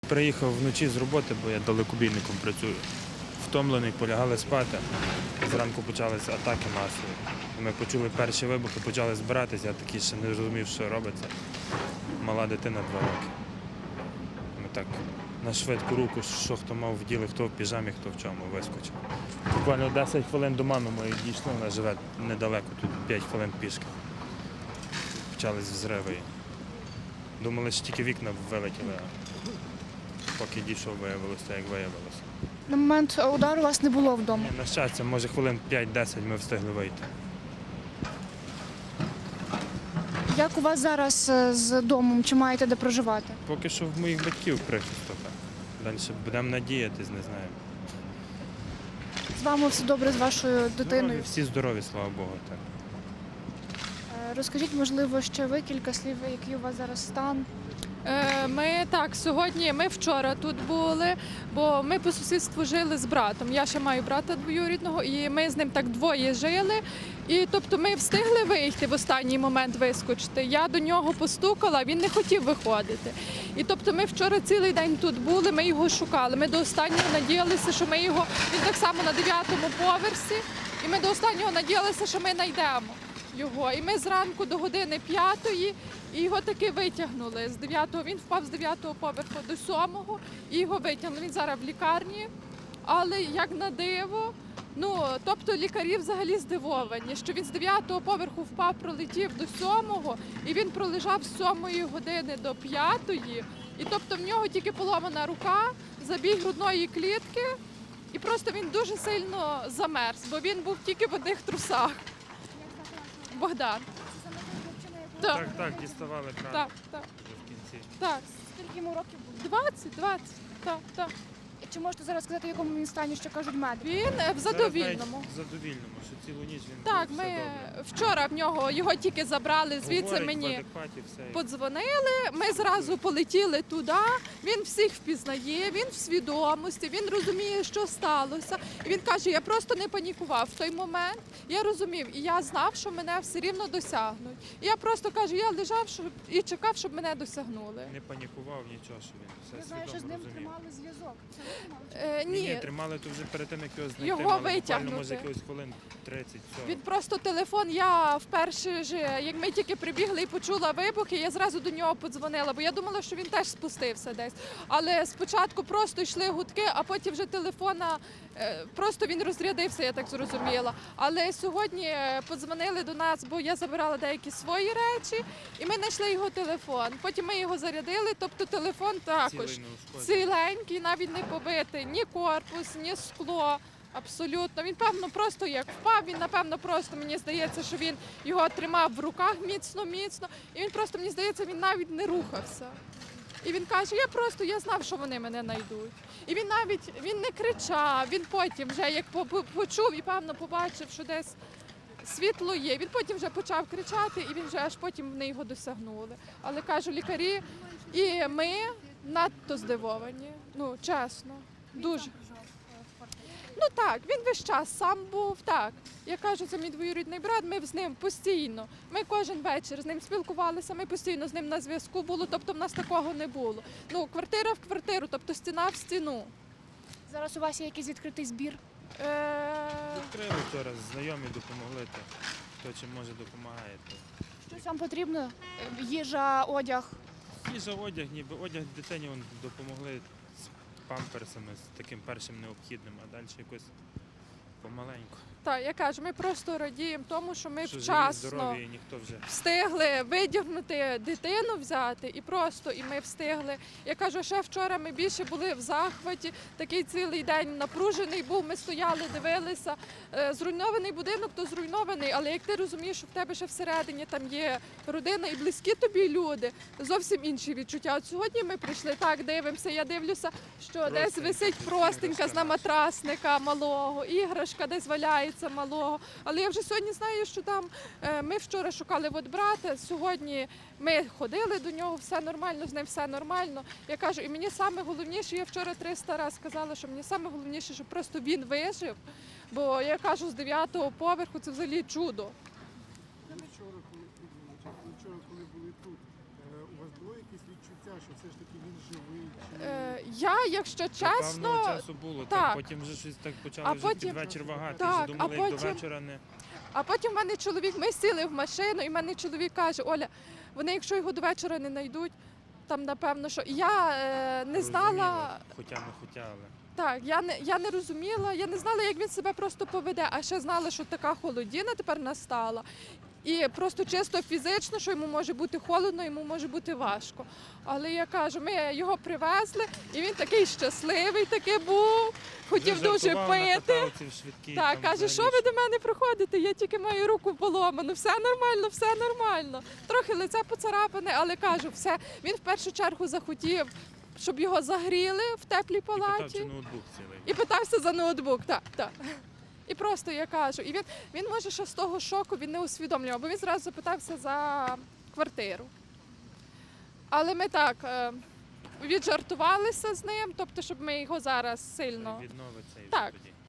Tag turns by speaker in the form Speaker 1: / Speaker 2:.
Speaker 1: Приїхав вночі з роботи, бо я далекобійником працюю. Втомлений, полягали спати. Зранку почалися атаки масові. Ми почули перші вибухи, почали збиратися, я такий ще не розумів, що робиться. Мала дитина 2 роки. Ми так на швидку руку, що хто мав в ділі, хто в піжамі, хто в чому, вискочив. Буквально 10 хвилин до мами моєї дійшло, вона живе недалеко, тут 5 хвилин пішки. Почались взриви. Думали, що тільки вікна вилетіли, а поки дійшов, виявилося, як виявилося.
Speaker 2: На момент удару вас не було вдома?
Speaker 1: На щастя, може хвилин 5-10 ми встигли вийти.
Speaker 2: Як у вас зараз з домом? Чи маєте де проживати?
Speaker 1: Поки що в моїх батьків прихисток. Далі будемо надіятись, не знаю.
Speaker 2: З вами все добре, з вашою дитиною?
Speaker 1: Всі здорові, слава Богу. Так.
Speaker 2: Розкажіть, можливо, ще ви кілька слів, який у вас зараз стан?
Speaker 3: Ми вчора тут були, бо ми по сусідству жили з братом. Я ще маю брата двоюрідного, і ми з ним так двоє жили. І тобто ми встигли вийти в останній момент вискочити. Я до нього постукала, він не хотів виходити. І тобто ми вчора цілий день тут були, ми його шукали. Ми до останнього надіялися, що ми його, він так само на 9-му поверсі, і ми до останнього надіялися, що ми знайдемо його. І ми зранку до години 5-ї і його таки витягнули з 9-го. Він впав з 9-го поверху до 7-го і його витягнули. Він зараз в лікарні, але як на диво, тобто лікарі взагалі здивовані, що він з 9-го поверху впав, пролетів до 7-го і він пролежав з 7-ї години до 5-ї. І тобто в нього тільки поломана рука, забій грудної клітки і просто він дуже сильно замерз, бо він був тільки в одних трусах. Богдан.
Speaker 1: Так, діставали кран
Speaker 3: Так.
Speaker 1: вже в кінці.
Speaker 3: Так.
Speaker 2: Скільки йому років було?
Speaker 3: 20. Так.
Speaker 2: Чи можете зараз сказати, в якому він стані, що кажуть медики?
Speaker 3: Він в задовільному.
Speaker 1: В задовільному, що цілу ніч він
Speaker 3: Так,
Speaker 1: був,
Speaker 3: ми
Speaker 1: все добре.
Speaker 3: вчора його тільки забрали, звідси
Speaker 1: Говорить, в
Speaker 3: мені
Speaker 1: адекваті, все.
Speaker 3: подзвонили, ми зразу полетіли туди, він всіх впізнає, він в свідомості, він розуміє, що сталося. І він каже, я просто не панікував в той момент, я розумів, і я знав, що мене все рівно досягнуть. І я просто кажу, я лежав і чекав, щоб мене досягнули.
Speaker 1: Не панікував нічого, що він все
Speaker 2: Я знаю, що з
Speaker 1: свідомо
Speaker 2: ним
Speaker 1: розумів.
Speaker 2: тримали зв'язок.
Speaker 3: Ні,
Speaker 1: Тримали то вже перед тим, як його знайти,
Speaker 3: Його
Speaker 1: мали буквально,
Speaker 3: витягнути.
Speaker 1: може, якихось хвилин 30-40.
Speaker 3: він просто телефон, я вперше ж, як ми тільки прибігли і почула вибухи, я зразу до нього подзвонила, бо я думала, що він теж спустився десь. Але спочатку просто йшли гудки, а потім вже телефона, просто він розрядився, я так зрозуміла. Але сьогодні подзвонили до нас, бо я забирала деякі свої речі, і ми знайшли його телефон. Потім ми його зарядили, тобто телефон також
Speaker 1: Цілий неушкоджений.
Speaker 3: ціленький, навіть не побитий, ні корпус, ні скло. Абсолютно. Він, певно, просто як впав, він, напевно, просто, мені здається, що він його тримав в руках міцно, і він просто, мені здається, він навіть не рухався. І він каже, я знав, що вони мене знайдуть. І він не кричав, він потім вже, як почув і, певно, побачив, що десь світло є, він потім вже почав кричати, і він вже аж потім вони його досягнули. Але, кажу, лікарі і ми надто здивовані, чесно, дуже. Так, він весь час сам був, так. Я кажу, це мій двоюрідний брат, ми з ним постійно. Ми кожен вечір з ним спілкувалися, ми постійно з ним на зв'язку були, тобто в нас такого не було. Квартира в квартиру, тобто стіна в стіну.
Speaker 2: Зараз у вас є якийсь відкритий збір?
Speaker 1: Відкрили вчора, знайомі допомогли, хто чим може допомагає.
Speaker 2: Щось вам потрібно? Їжа, одяг?
Speaker 1: Їжа, одяг, ніби одяг дитині допомогли з памперсами, з таким першим необхідним, а далі якось помаленьку.
Speaker 3: Так, я кажу, ми просто радіємо тому, що ми
Speaker 1: Що живі,
Speaker 3: вчасно
Speaker 1: здорові, і ніхто вже...
Speaker 3: встигли видягнути дитину, взяти і ми встигли. Я кажу, ще вчора ми більше були в захваті, такий цілий день напружений був, ми стояли, дивилися. Зруйнований будинок, то зруйнований, але як ти розумієш, що в тебе ще всередині там є родина і близькі тобі люди, зовсім інші відчуття. От сьогодні ми прийшли, так, дивимося, я дивлюся, що десь висить простенька з наматрасника малого, іграшка десь валяється малого. Але я вже сьогодні знаю, що там ми вчора шукали брата, сьогодні ми ходили до нього, все нормально, з ним все нормально. Я кажу, і мені саме головніше, я вчора 300 разів сказала, що мені саме головніше, щоб просто він вижив, бо я кажу, з 9-го поверху це взагалі чудо.
Speaker 4: Вчора, коли були тут, у вас було якісь відчуття що все ж таки він живий?
Speaker 3: Я, якщо
Speaker 1: До певного
Speaker 3: чесно,
Speaker 1: часу було,
Speaker 3: так.
Speaker 1: потім вже щось так
Speaker 3: А
Speaker 1: почали вже
Speaker 3: потім-
Speaker 1: під вечір вагати.
Speaker 3: Так,
Speaker 1: Вже думали,
Speaker 3: а
Speaker 1: як до
Speaker 3: потім-
Speaker 1: вечора не...
Speaker 3: а потім в мене чоловік, ми сіли в машину, і в мене чоловік каже: Оля, вони якщо його до вечора не знайдуть, там напевно, що І я не знала.
Speaker 1: розуміла, Хоча не хотіли.
Speaker 3: Так, я не розуміла, я не знала, як він себе просто поведе, а ще знала, що така холодіна тепер настала. І просто чисто фізично, що йому може бути холодно, йому може бути важко. Але я кажу, ми його привезли, і він такий щасливий такий був, хотів
Speaker 1: Вже
Speaker 3: дуже
Speaker 1: жартував на
Speaker 3: пити.
Speaker 1: каталці в швидкій,
Speaker 3: Так,
Speaker 1: там
Speaker 3: каже, що
Speaker 1: взагалі
Speaker 3: ви до мене приходите? Я тільки маю руку поломану, все нормально, все нормально. Трохи лице поцарапане, але кажу, все. Він в першу чергу захотів, щоб його загріли в теплій
Speaker 1: І питав,
Speaker 3: палаті.
Speaker 1: чи ноутбук цілий.
Speaker 3: І питався за ноутбук, так, так. І просто я кажу, і він може ще з того шоку він не усвідомлював, бо він зразу запитався за квартиру. Але ми так віджартувалися з ним, тобто, щоб ми його зараз сильно.
Speaker 1: Відновиться і вже
Speaker 3: Так.
Speaker 1: тоді.